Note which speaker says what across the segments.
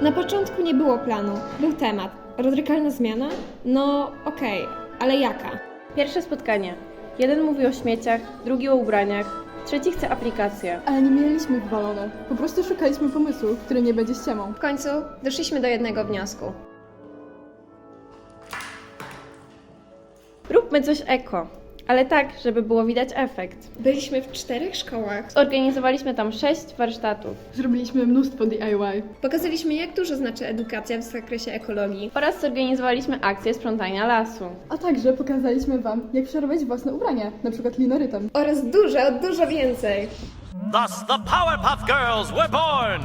Speaker 1: Na początku nie było planu, był temat. Radykalna zmiana? No okej, ale jaka?
Speaker 2: Pierwsze spotkanie. Jeden mówi o śmieciach, drugi o ubraniach, trzeci chce aplikację.
Speaker 3: Ale nie mieliśmy wywalone. Po prostu szukaliśmy pomysłu, który nie będzie ściemą.
Speaker 1: W końcu doszliśmy do jednego wniosku.
Speaker 2: Róbmy coś eko, ale tak, żeby było widać efekt.
Speaker 1: Byliśmy w 4 szkołach.
Speaker 2: Zorganizowaliśmy tam 6 warsztatów
Speaker 3: Zrobiliśmy mnóstwo DIY.
Speaker 1: Pokazaliśmy, jak dużo znaczy edukacja w zakresie ekologii.
Speaker 2: oraz zorganizowaliśmy akcję sprzątania lasu.
Speaker 3: A także pokazaliśmy wam, jak przerobić własne ubrania, na przykład linorytem.
Speaker 1: Oraz dużo więcej.
Speaker 4: Thus the Powerpuff Girls were born!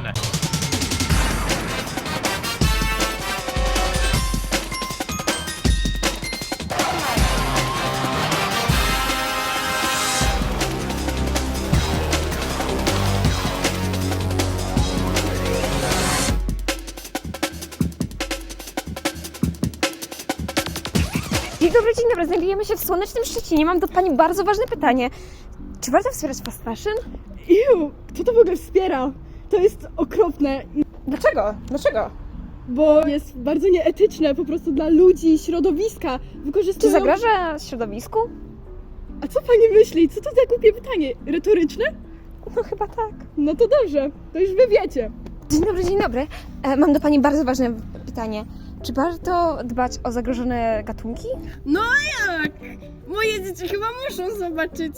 Speaker 5: Dzień dobry, znajdujemy się w słonecznym Szczecinie. Mam do Pani bardzo ważne pytanie. Czy warto wspierać fast fashion?
Speaker 3: Kto to w ogóle wspiera? To jest okropne,
Speaker 5: Dlaczego?
Speaker 3: bo jest bardzo nieetyczne po prostu dla ludzi, środowiska.
Speaker 5: Czy
Speaker 3: Wykorzystują...
Speaker 5: zagraża środowisku?
Speaker 3: A co pani myśli? Co to za głupie pytanie? Retoryczne?
Speaker 5: No chyba tak.
Speaker 3: No to dobrze, to już wy wiecie.
Speaker 5: Dzień dobry. Mam do Pani bardzo ważne pytanie. Czy warto dbać o zagrożone gatunki?
Speaker 3: No jak? Moje dzieci chyba muszą zobaczyć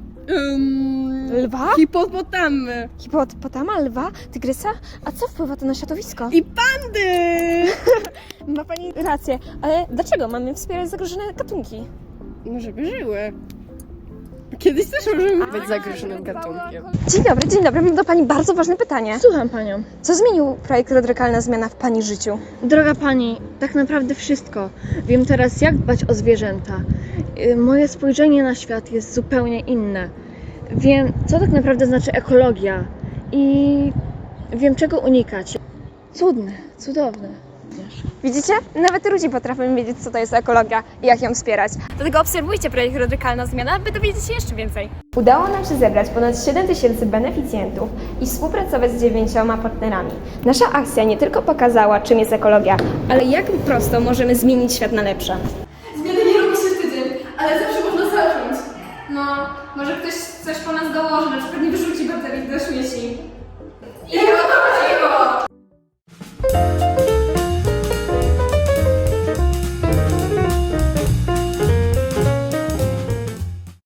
Speaker 5: Lwa?
Speaker 3: hipopotamy
Speaker 5: Hipopotama, lwa, tygrysa? A co wpływa to na środowisko?
Speaker 3: i pandy.
Speaker 5: Ma Pani rację, ale dlaczego mamy wspierać zagrożone gatunki?
Speaker 3: No żeby żyły. Kiedyś też możemy być zagrożonym gatunkiem.
Speaker 5: Dzień dobry, mam do Pani bardzo ważne pytanie.
Speaker 6: Słucham Panią.
Speaker 5: Co zmienił projekt Radykalna Zmiana w Pani życiu?
Speaker 6: Droga Pani, tak naprawdę wszystko. Wiem teraz, jak dbać o zwierzęta. Moje spojrzenie na świat jest zupełnie inne. Wiem, co tak naprawdę znaczy ekologia i wiem, czego unikać. Cudne, cudowne.
Speaker 5: Widzicie? Nawet ludzie potrafią wiedzieć, co to jest ekologia i jak ją wspierać. Dlatego obserwujcie projekt Radykalna Zmiana, by dowiedzieć się jeszcze więcej. Udało nam się zebrać ponad 7 000 beneficjentów i współpracować z 9 partnerami. Nasza akcja nie tylko pokazała, czym jest ekologia,
Speaker 1: Ale jak prosto możemy zmienić świat na lepsze?
Speaker 3: Zmiany nie robi się tydzień, ale zawsze można zacząć.
Speaker 1: No, może ktoś coś po nas dołoży, na przykład nie wyrzuci baterii do śmieci. I o to chodziło!